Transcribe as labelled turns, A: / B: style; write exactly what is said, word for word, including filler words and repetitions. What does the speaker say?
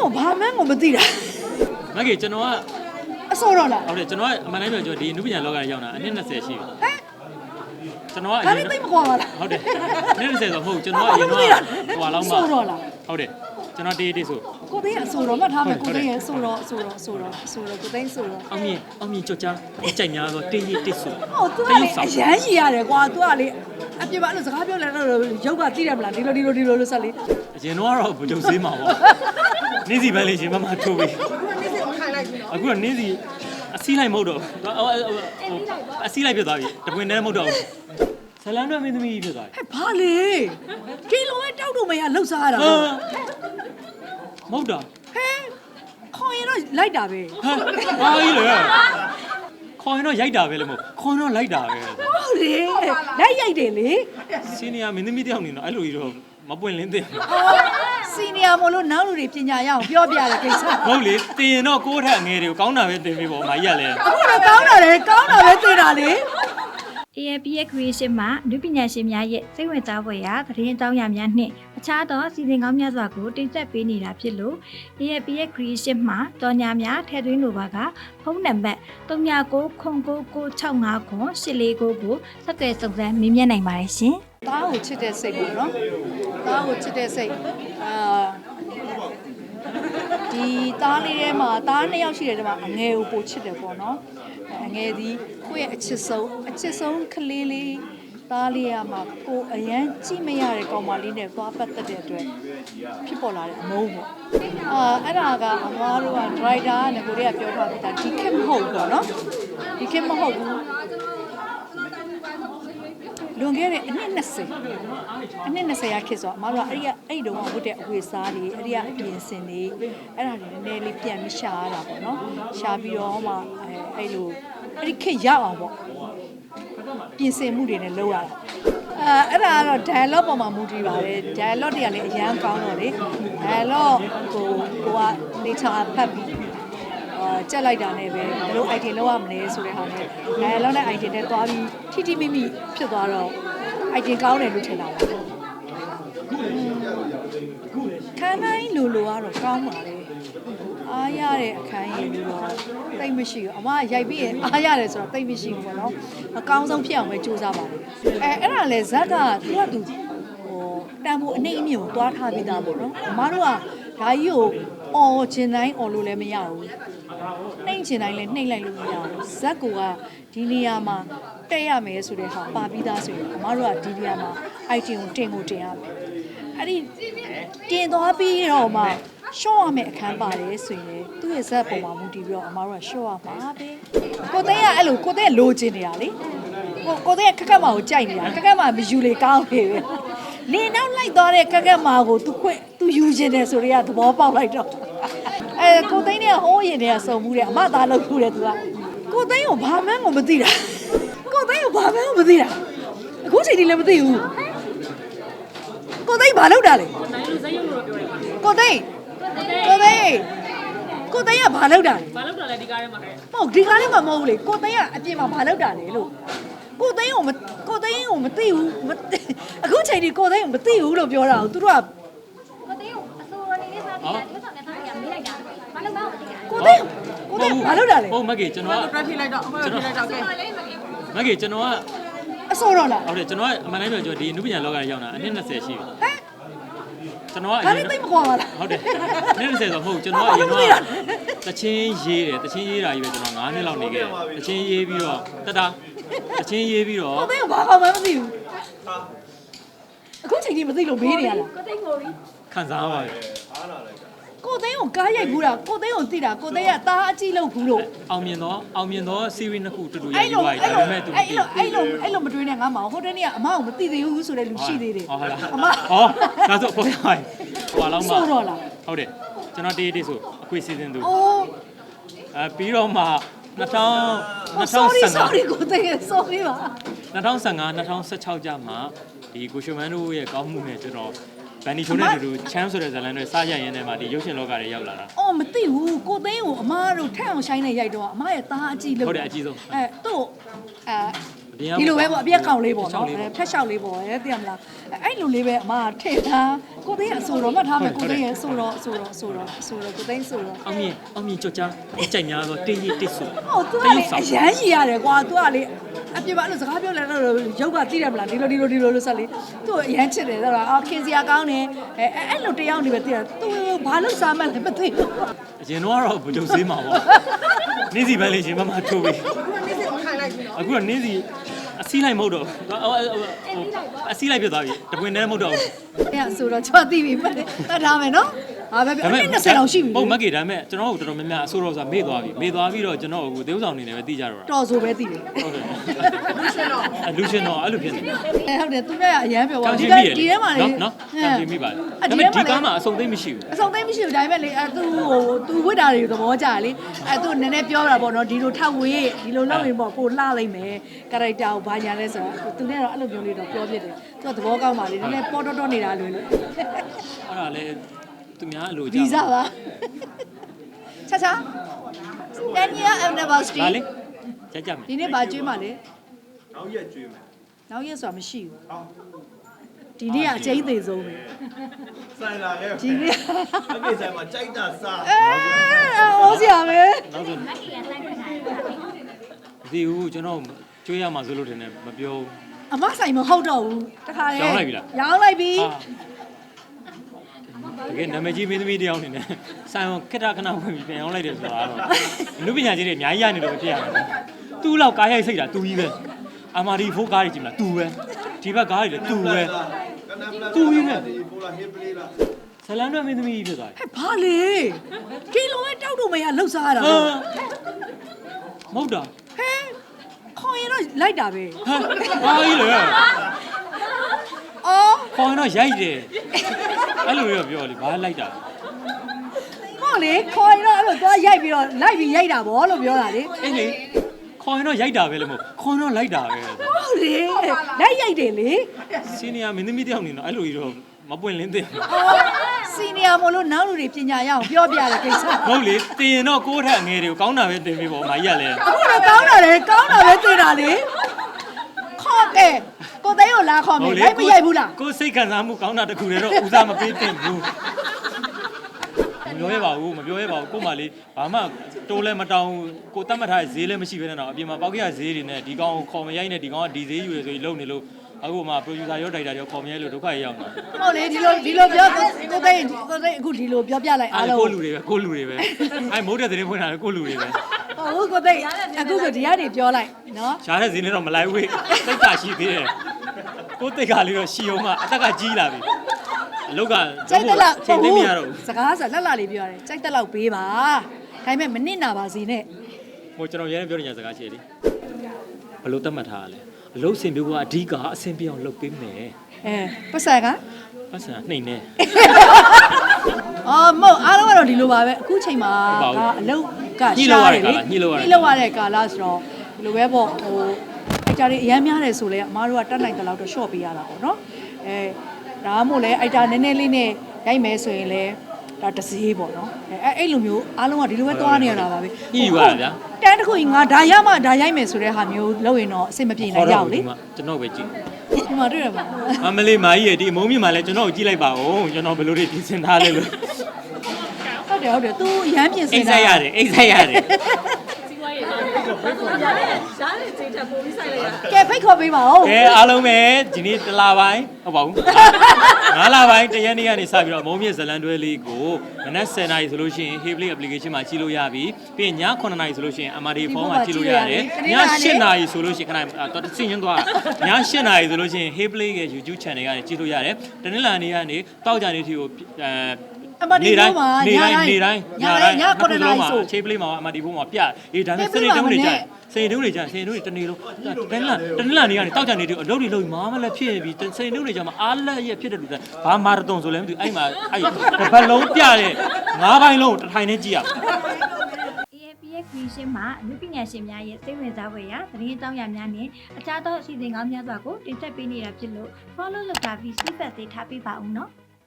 A: ကိုဘာမှန်းကိုမသိတာ
B: မကေကျွန်တော်
A: ကအစောတော့လား
B: ဟုတ်တယ်ကျွန်တော်ကအမှန်တိုင်းပြောကျွန်တော်ဒီအနုပညာလောကကြီးရောက်တာအနည်း20ရှိပြီ
A: ဟမ်
B: ကျွန်တော်ကအ
A: ရင်တော့သိမကွာပါလား
B: ဟုတ်တယ်အနည်း20ဆိုမဟုတ်ကျွန်တော်ကအရင်တော့ဟိုလောက်မှ
A: စောတော့လား
B: ဟုတ်တယ်ကျွန်တော်တေးတေးဆို
A: ကိုသိန်းအဆိုတော့မှတ်ထားမယ်ကိုသိန်းရဲ့ဆိုတော့ဆိုတော့ဆိုတော့ဆိုတော့ကိုသိန်းဆိုတော့
B: အောင်မြင်အောင်မြင်ကြောက်ကြားကြိုက်များဆိုတေးရတေးဆို
A: ဟုတ်သူကလေအရန်ကြီးရတယ်ကွာသူကလေအပြစ်ပါလို့စကားပြောလဲတော့ရုပ်ကသိတယ်မလားဒီလိုဒီလိုဒီလိုလို့ဆက်လေ
B: အရင်တော့ကတော့ဘုံစေးမှာပေါ့နေ့စီပိုင်းလေးရှင်မမထိုးပြီအခုကနေ့စီအစီးလိုက်မဟုတ်တော့အစီးလိုက်ပြသွားပြီတပွင့်နဲ့မဟုတ်တော့ဆလန်တော့မင်းသမီးပြသွားပြီ
A: ဟဲ့ဘာလေဒီလိုပဲတောက်တော့မရလှုပ်စားရတာ
B: မဟုတ်တာ
A: ဟဲခေါ်ရင်တော့လိုက်တာပဲ
B: ဟာဘာကြီးလဲခေါ်ရင်တော့ရိုက်တာပဲလေမဟုတ်ခေါ်ရင်တော့လိုက်တာပဲ
A: ဟုတ်လေလိုက်ရိုက်တယ်လေ
B: စီနီယာမင်းသမီးတယောက်နေတော့အဲ့လိုကြီးတော့မပွင့်လင်းတဲ့
A: စီနီယာမလို့နောက်လူတွေပညာရအောင်ပြောပြတယ်ကိစ္စ
B: ဟုတ်လေတင်ရင်တော့ကိုးထက်ငယ်တွေကိုကောင်းတာပဲတင်ပေးပေါ့မာကြီးကလည်း
A: အခုတော့ကောင်းတာလေကောင်းတာပဲတင်တာလေ
C: A F P ရဲ့ creation မှာလူပညာရှင်များရဲ့စိတ်ဝင်စားဖွယ်ရာသတင်းအကြောင်းအရာများနှင့်အခြားသောစီစဉ်ကောင်းများစွာကိုတင်ဆက်ပေးနေတာဖြစ်လို့ A F P ရဲ့ creation မှာကြော်ညာများထည့်သွင်းလိုပါကဖုန်းနံပါတ်၃၉၉၉၉၆၅ခု၈၄၉ကိုဆက်သွယ်စုံစမ်းမေးမြန်းနိုင်ပါတယ်ရှင်
A: ။သားကိုချစ်တဲ့စိတ်ပေါ့နော်။သားကိုချစ်တဲ့စိတ်အာဒီသားလေးထဲမှာသားနှစ်ယောက်ရှိတယ်ဒီမှာအငယ်ကိုပိုချစ်တယ်ပေါ့နော်။အငယ်ဒီကိုယ့်ရဲ့အချစ်ဆုံးအချစ်ဆုံးကလေးလေးသားလေးရမှာကိုအရန်ကြည့်မရတဲ့ကောင်မလေးနဲ့သွားပတ်သက်တဲ့အတွက်ဖြစ်ပေါ်လာတဲ့အမုန်းပေါ့။အာအဲ့ဒါကအမားတို့က driver နဲ့ကိုရီးယားပြောထားပြီးသားဒီခေတ်မဟုတ်ပေါ့နော်။ဒီခေတ်မဟုတ်ဘူး။လွန်ခဲ့တဲ့အနှစ်20အနှစ်20ရာခေတ်ဆိုအမတို့ကအဲ့ဒီအဲ့ဒီတုန်းကဝတ်တဲ့အဝတ်စားတွေအဲ့ဒီကအပြင်စင်တွေအဲ့ဒါတွေနည်းနည်းလေးပြန်ပြီးရှာရတာပေါ့နော်ရှာပြီးတော့မှအဲအဲ့လိုအဲ့ဒီခေတ်ရောက်အောင်ပေါ့ပြင်ဆင်မှုတွေနဲ့လုပ်ရတာအဲအဲ့ဒါကတော့ dialogue ပေါ်မှာမူတည်ပါတယ် dialogue တွေကလည်းအရန်ကောင်းတော့လေ dialogue ကိုကိုက nature ဖတ်ပြီးအာကြက်လိုက်တာနဲ့ပဲဘယ်လို item လောက်ရမလဲဆိုတဲ့ဟာနဲ့အဲလောက်တဲ့ item နဲ့သွားပြီးထိထိမိမိဖြစ်သွားတော့ item ကောင်းတယ်လို့ထင်တာပါခန်းတိုင်းလူလူကတော့ကောင်းပါလေအားရတဲ့အခန်းရည်လို့တော့တိတ်မရှိဘူးအမရိုက်ပြီးရင်အားရတယ်ဆိုတော့တိတ်မရှိဘူးပေါ့နော်အကောင်းဆုံးဖြစ်အောင်ပဲကြိုးစားပါလေအဲအဲ့ဒါလေဇက်ကသူကသူဟိုတန်ဖိုးအနှိမ့်အမြင့်ကိုတွားထားပြီးသားပေါ့နော်အမတို့ကဒါကြီးကိုအော်ချင်တိုင်းအော်လို့လည်းမရဘူးနှိမ့်ချင်တိုင်းလည်းနှိမ့်လိုက်လို့မရဘူးဇက်ကူကဒီနေရာမှာတက်ရမယ်ဆိုတဲ့ဟာပါပြီးသားဆိုရင်အမတို့ကဒီနေရာမှာ item ကိုတင်ကိုတင်ရမယ်အဲ့ဒီတင်သွားပြီးတော့မှရှော့ရမယ်အခန်းပါတယ်ဆိုရင်သူ့ရဲ့ဇက်ပုံမှာမူတည်ပြီးတော့အမတို့ကရှော့ရမှာပဲကိုသိန်းကအဲ့လိုကိုသိန်းလိုချင်နေတာလေကိုကိုသိန်းကခက်ခက်မာကိုကြိုက်နေတာခက်ခက်မာမယူလေကောင်းနေပဲလေနောက်လိုက်သွားတဲ့ခက်ခက်မာကိုသူခွင့်သူယူချင်တယ်ဆိုတော့သဘောပေါက်လိုက်တော့အဲကိုသိန်းနဲ့ဟိုးရင်တွေကစုံမှုတယ်အမသားလုပ်ခုတယ်သူကကိုသိန်းကိုဘာမှန်းကိုမသိတာကိုသိန်းကိုဘာမှန်းကိုမသိတာအခုချိန်ထိလည်းမသိဘူးကိုသိန်းဘာလုပ်တာလဲကိုသိန်းကိုသိန်းကိုသိန်းကဘာလုပ်တာလဲ
D: ဘာလုပ်တာလဲဒီကားထဲမှာခဲ့
A: ဟုတ်ဒီကားထဲမှာမဟုတ်ဘူးလေကိုသိန်းကအပြင်မှာဘာလုပ်တာလဲလို့ကိုသိန်းကိုမကိုသိန်းကိုမသိဘူးအခုချိန်ထိကိုသိန်းကိုမသိဘူးလို့ပြောတာကိုသူတို့က
C: ကိုသိန်းကိုအစိုးရနေလေးစားပြီးတာထွက်ဆောင်နေသားရမေးလိုက်တာဘာလို့မဟုတ်ဘူး
A: ကိုသိန်းကိုသိန်းဘာလုပ်တာလဲ
B: ဟုတ်မကေကျွန်တော်က
D: တွက်ထိလိုက်တော့အခုထိလိုက်တော့ကဲ
B: မကေကျွန်တော်က
A: အစောတော့လား
B: ဟုတ်တယ်ကျွန်တော်ကအမှန်တိုင်းပြောကျွန်တော်ဒီအနုပညာလောကကြီးရောက်တာအနှစ်20ရှိပြီ
A: ဟမ်
B: ကျွန်တော်ကအ
A: ရင်တော့သိမကွာပါလား
B: ဟုတ်တယ်အနှစ်20ဆိုမဟုတ်ကျွန်တော်ကအရင်တော့တချင်းရေးတယ်တချင်းရေးတာကြီးပဲကျွန်တော်9နှစ်လောက်နေခဲ့တယ်တချင်းရေးပြီးတော့တတာတချင်းရေးပြီးတော့
A: ကိုသိန်းကဘာကောင်းမှမသိဘူးအခုချိန်ထိမသိလို့မေးနေရလား
C: ကိုသိန်းကိုရီ
B: ခံစားပါတယ်
A: အားလာလိုက်တာကိုသိန်းကိုကားရိုက်ဘူးတာကိုသိန်းကိုသိတာကိုသိန်းကသားအကြည့်လုပ်ဘူးလို့
B: အောင်မြင်တော့အောင်မြင်တော့ series နှစ်ခုတူတူရိုက်ပြီးသွားပြီဒါပေမဲ့သူ
A: အဲ့လိုအဲ့လိုအဲ့လိုမတွေးနဲ့ငါမအောင်ဟိုတနေ့ကအမအောင်မသိသေးဘူးဆိုတဲ့လူရှိသေးတယ်
B: ဟုတ်လား
A: အမ
B: ဟောဒါဆိုပေါ်သွားပြီဟိုလောက်မှ
A: ဆိုတော့လား
B: ဟုတ်တယ်ကျွန်တော်တေးတေးဆိုအခွေစီစဉ်သူ
A: အိုး
B: အဲပြီးတော့မှ2000
A: sorry sorry ကိုသိန်း sorry ပါ
B: 2015 2016ကျမှဒီကိုရှုမန်းတို့ရဲ့ကောင်းမှုနဲ့ကျွန်တော်ဗန်နီချိုနဲ့တူတူချမ်းဆိုတဲ့ဇာတ်လမ်းတွေစရရင်ထဲမှာဒီရုပ်ရှင်လောကတွေရောက်လာတာ
A: အော်မသိဘူးကိုသိန်းကိုအမတို့ထက်အောင်ရှိုင်းနေရိုက်တော့အမရဲ့သားအကြည့်လို့
B: ဟုတ်တယ်အကြည့်ဆုံး
A: အဲသူ့အဲဒီလိုပဲပေါ့အပြက်ကောင်လေးပေါ့နော်ဖက်လျှောက်လေးပေါ့ရဲသိရမလားအဲ့လိုလေးပဲအမထည့်ထားကိုသိန်းအဆိုတော့မှတ်ထားမယ်ကိုသိန်းရဲ့အဆိုတော့အဆိုတော့အဆိုတော့အဆိုတော့ကိုသိန်းဆိုတော့
B: အောင်မြင်အောင်မြင်ကြောက်ကြားကြိုက်များတော့တင်းကြီးတစ်ဆူ
A: ဟုတ်သူကလေအရန်ရှိရတယ်ကွာသူကလေအပြစ်ပါလို့စကားပြောလဲတော့ရုပ်ကသိတယ်မလားဒီလိုဒီလိုဒီလိုလို့ဆက်လေသူ့အရန်ချစ်တယ်ဆိုတော့အော်ခင်စရာကောင်းတယ်အဲအဲ့လိုတယောက်နေပဲသိတယ်သူဘာလို့စားမှန်းလဲမသိဘူး
B: အရင်တော့ကတော့ဘုံဈေးမှာပေါ့နေ့စီပန်းလေးရှင်မမထိုးပြီ
D: နေ့စဉ်ခိုင်းလိုက်ပြီနော်
B: အခုကနေ့စီအစီးလိုက်မဟုတ်တော့အစီးလိုက်ပြသွားပြီတပွင့်တည်းမဟုတ်တော့ဘူး
A: အဲ့ဆိုတော့ကျွန်တော်သိပြီမှတ်ထားမယ်နော်ဟာပဲအနည်း20လောက်ရှိပြီ
B: ဟုတ်မကေဒါပေမဲ့ကျွန်တော်တို့တော်တော်များများအဆိုးတော့ဆိုတာမေ့သွားပြီမေ့သွားပြီးတော့ကျွန်တော်အခုသေဥဆောင်နေတယ်ပဲသိကြတော့တာ
A: တော်ဆိုပဲသိတယ်
B: ဟုတ်တယ်အလူရှင်တော့အဲ့လိုဖြစ်နေတယ်
A: အဲဟုတ်တယ်သူနဲ့အရန်ပြောပါ
B: ကြောင်
A: ဒီ
B: ချင်းမိရ
A: ဒီထဲမှာလေ
B: နော်နော်ကြောင်ချင်းမိပါလေဒါပေမဲ့ဒီကားမှာအစုံသိမ့်မရှိဘူး
A: အစုံသိမ့်မရှိဘူးဒါပေမဲ့လေအဲသူဟိုသူဝိတာတွေသဘောကျတယ်လေအဲသူနည်းနည်းပြောတာပေါ့နော်ဒီလိုထောက်ဝေးဒီလိုလုပ်ရင်ပေါ့ကိုလှလိုက်မယ်ကာရိုက်တာကိုဘာညာလဲဆိုတော့သူနဲ့တော့အဲ့လိုမျိုးလေးတော့ပြောပြတယ်သူကသဘောကောင်းပါလေနည်းနည်းပေါ်တော့တော့နေတာလွယ်လို့
B: အဲ့ဒါလေသူများအလိုကြ
A: ဗီဇပါချာချာten year anniversary
B: ဒါလေကြကြမယ်
A: ဒီနေ့ဘာကျွေးမှလဲ
E: နောက်ရက်ကျွေးမယ်
A: နောက်ရက်ဆိုတာမရှိဘူးဒီနေ့ကအကျိန်းသေးဆုံးပဲ
E: ဆိုင်လာခဲ့
A: ဒီနေ့
E: အမေဆိုင်မှာကြိုက်တာစား
A: အဲဟောစရာပဲ
B: နောက်ဆိုဒီဦးကျွန်တော်ကျွေးရမှာဆိုလို့တင်တယ်မပြောဘူး
A: အမဆိုင်မဟုတ်တော့ဘူးတခါလေ
B: ရောင်းလိုက်ပြီလား
A: ရောင်းလိုက်ပြီ
B: တကယ်နာမည်ကြီးမင်းသမီးတယောက်နေနဲ့ဆိုင်အောင်ခက်တာခဏဝင်ပြီးပြန်အောင်လိုက်တယ်ဆိုတာတော့လူပညာကြီးတွေအများကြီးရနေလို့ဖြစ်ရတယ်သူ့လောက်ကားရိုက်စိတ်တာသူကြီးပဲအာမာဒီဖိုးကားတွေကြည့်မလားသူပဲဒီဘက်ကားတွေလည်းသူပဲ သူကြီးနဲ့
E: ဒီပိုလာဟေးပလေးလား
B: ဇလန်တွဲမင်းသမီးဖြစ်သွားတယ်
A: ဟဲ့ဘာလေကီလိုပဲတောက်တော့မရလှုပ်ရှားရတာ
B: ဟာ
A: ပေါ့
B: မဟုတ်တာ
A: ဟဲခေါင်ရင်တော့လိုက်တာပဲ
B: ဟာဘာကြီးလဲ
A: အော်
B: ခေါင်းတော့ရိုက်တယ်အဲ့လိုရောပြောလေဘာလိုက်တာ
A: ဟောလေခေါင်ရင်တော့အဲ့လိုသွားရိုက်ပြီးတော့လိုက်ပြီးရိုက်တာဗောလို့ပြောတာလေ
B: အေးလေခေါင်းတော့ရိုက်တာပဲလေမဟုတ်ခေါင်းတော့လိုက်တာပဲ
A: ဟုတ်လေလိုက်ရိုက်တယ်လေ
B: စီနီယာမင်းသမီးတယောက်နေတော့အဲ့လိုကြီးတော့မပွင့်လင်းတဲ့
A: အော်စီနီယာမို့လို့နောက်လူတွေပညာရအောင်ပြောပြရတဲ့ကိစ္စ
B: ဟုတ်လေတင်ရင်တော့ကိုးထက်ငယ်တွေကိုကောင်းတာပဲတင်ပေးပေါ့မာကြီးကလည်း
A: အခုတော့ကောင်းတာလေကောင်းတာပဲသိတာလေခေါ်တယ်ကိုသိန်းကိုလာခေါ်မယ်လိုက်မရိုက်ဘူးလား
B: ကိုစိတ်ခံစားမှုကောင်းတာတခုတည်းတော့ဦးစားမပေးတင်ဘူးမပြောရပါဘူးမပြောရပါဘူးကို့မလေးဘာမှတိုးလဲမတောင်းကိုတတ်မှတ်ထားတဲ့ဈေးလည်းမရှိဘဲနဲ့တော့အပြင်မှာပေါက်ကြရဈေးတွေနဲ့ဒီကောင်ခေါ်မရိုက်နဲ့ဒီကောင်ကဒီဈေးယူရဆိုပြီးလုံနေလို့အခုမှ producer ရော director ရောခေါ်မရိုက်လို့ဒုက္ခရောက်နေတာ
A: ဟုတ်လေဒီလိုဒီလိုပြောကိုသိန်းကိုသိန်းအခုဒီလိုပြောပြလိုက်အား
B: အား
A: လုံး
B: ကိုလူတွေပဲကိုလူတွေပဲအဲမဟုတ်တဲ့သတင်းဖွင့်တာလည်းကိုလူတွေပဲ
A: ဟုတ်ကိုသိန်းအခုဆိုဒီကနေပြောလိုက်နော်
B: ရှားတဲ့ဈေးနဲ့တော့မလိုက်ဝေးတိတ်ကရှိသေးတယ်ကိုတိတ်ကလေးတော့ရှီအောင်မှအသက်ကကြီးလာပြီအလုတ်က
A: ကြိုက်တက်လောက်
B: ချိန်သိမရတော့ဘူး
A: စကားဆိုလက်လာလေးပြောရတယ်ကြိုက်တက်လောက်ပေးပါဒါပေမဲ့မနစ်နာပါစေနဲ့
B: ဟိုကျွန်တော်ရဲပြောနေကြစကားရှိတယ်ဘလို့တတ်မှတ်ထားရလဲအလုတ်စင်ပြိုးကအဓိကအဆင်ပြေအောင်လုပ်ပေးမယ်
A: အဲပတ်ဆက် က
B: ပတ်စံနှိမ့်နေ
A: အော်မဟုတ်အားလုံးကတော့ဒီလိုပါပဲအခုချိန်မှာကအလုတ်ကရှားတယ်လေညှိလို့ရတဲ့ကာလဆိုတော့ဒီလိုပဲပေါ့ဟိုအိုက်တာတွေအများများတယ်ဆိုလဲအမားတို့ကတတ်နိုင်တဲ့လောက်တော့ short ပေးရတာပေါ့နော်အဲဒါမှမဟုတ်လဲအိုက်တာနည်းနည်းလေးနဲ့ရိုက်မယ်ဆိုရင်လဲဒါတစေးပေါ့နော်အဲအဲ့လိုမျိုးအားလုံးကဒီလိုပဲသွားနေရတာပါပဲ
B: ညှိယူရတာဗျာ
A: တန်းတစ်ခုကြီးငါဒါရမှဒါရိုက်မယ်ဆိုတဲ့ဟာမျိုးလုပ်ရင်တော့အဆင်မပြေနိုင်ကြဘူးလေ
B: ကျွန်တော်ပဲကြည့်
A: ဒီမှာတွေ့ရပါ
B: အမလေးမာကြီးရဲ့ဒီအမုံမြင့်မှာလဲကျွန်တော်ကိုကြည့်လိုက်ပါဦးကျွန်တော်ဘလို့တွေပြင်ဆင်ထားလဲလို့
A: ဟုတ်တယ်ဟုတ်တယ် तू ရမ်းပြင်စ
B: အိ
A: င်
B: တ်ဆက်ရတယ်အိတ်ဆက်ရတယ်
D: စီးပွားရေးတော့ရားတဲ့ရားတဲ့စိတ်ထပ်ပို့ပြီးဆိုင်လိုက်ရ
A: ကဲဖိတ်ခေါ်ပေးပါဦး
B: ကဲအားလုံးပဲဒီနေ့တစ်လပိုင်းဟုတ်ပါဘူးငါးလပိုင်းတရက်နေ့ကနေစပြီးတော့မုံမြင့်ဇလန်တွဲလေးကိုမနက်ဆယ်နာရီဆိုလို့ရှိရင် Hey Play application မှာကြည့်လို့ရပြီပြီးရင်ညခုနှစ်နာရီဆိုလို့ရှိရင် M R D phone မှာကြည့်လို့ရတယ်ညရှစ်နာရီဆိုလို့ရှိရင်ခဏတော့စင်ရင်သွားညရှစ်နာရီဆိုလို့ရှိရင် Hey Play ရဲ့ YouTube channel ကနေကြည့်လို့ရတယ်တနင်္လာနေ့ကနေတောက်ကြနေ့ထိကိုအဲ
A: အမဒီဘုံမှာ
B: နေ
A: ည
B: တိုင်း
A: တိုင်း
B: နေတိုင်း
A: ညတိုင်းညခုနှစ်နာရီဆို
B: အချိန်ပလေးမှာအမဒီဘုံမှာပြအေးဒါနဲ့စနေတုံးတွေကြာစနေတုံးတွေကြာစနေတုံးတွေတနေ့လုံးတနင်္လာတနင်္လာနေ့ကနေတောက်ကြနေတူအလုပ်တွေလုပ်ပြီးမားမလည်းဖြစ်ပြီးစနေတုံးတွေကြာမှာအားလက်ရက်ဖြစ်တဲ့လူတွေဘာမာရသွန်ဆိုလဲမသိဘူးအဲ့မှာအဲ့တစ်ပတ်လုံးပြတဲ့ငါးပိုင်းလုံးတစ်ထိုင်နဲ့ကြည့်ရ
C: A F P S Creation မှာအမှုပညာရှင်များရဲ့စိတ်ဝင်စားဖွယ်ရာသတင်းအကြောင်းအရာများနဲ့အခြားသောအစီအစဉ်ကောင်းများစွာကိုတင်ဆက်ပေးနေတာဖြစ်လို့ follow လုပ်တာပြီး feedback တွေထားပေးပါဦးနော်။